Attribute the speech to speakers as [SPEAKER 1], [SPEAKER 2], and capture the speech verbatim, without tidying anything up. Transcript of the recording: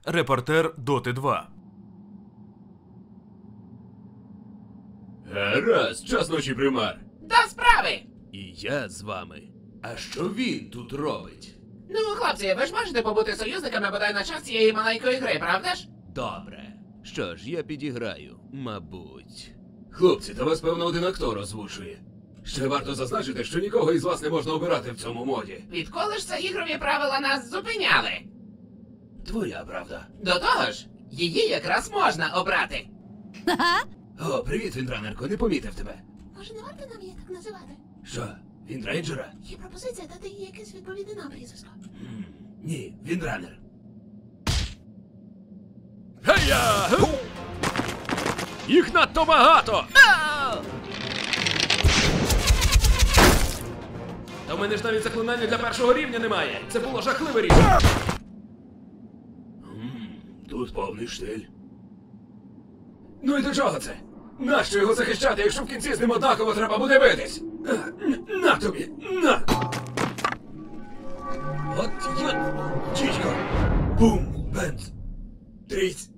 [SPEAKER 1] репортер Доти два.
[SPEAKER 2] Гаразд, час ночі, примар.
[SPEAKER 3] До справи!
[SPEAKER 2] І я з вами. А що він тут робить?
[SPEAKER 3] Ну, хлопці, ви ж можете побути союзниками бодай на час цієї маленької гри, правда ж?
[SPEAKER 2] Добре. Що ж, я підіграю, мабуть. Хлопці, та вас, певно, один актор озвучує. Ще варто зазначити, що нікого із вас не можна обирати в цьому моді.
[SPEAKER 3] Відколи ж це ігрові правила нас зупиняли?
[SPEAKER 2] Твоя правда.
[SPEAKER 3] До того ж, її якраз можна обрати.
[SPEAKER 2] О, привіт, Віндранерко, не помітив тебе.
[SPEAKER 4] Може, не варто нам її так називати?
[SPEAKER 2] Що, Віндрейнджера?
[SPEAKER 4] Є пропозиція дати їй якесь відповідне нам прізвисько.
[SPEAKER 2] М, Ні, Віндранер.
[SPEAKER 1] Гея! Їх надто багато! Та в мене ж навіть заклинання для першого рівня немає. Це було жахливе рішення.
[SPEAKER 2] М, Тут повний штиль. Ну і до чого це? Нащо його захищати, якщо в кінці з ним однаково треба буде битись? А, н- На тобі! На! От я... Чічко! Бум! Бенц! Трісь!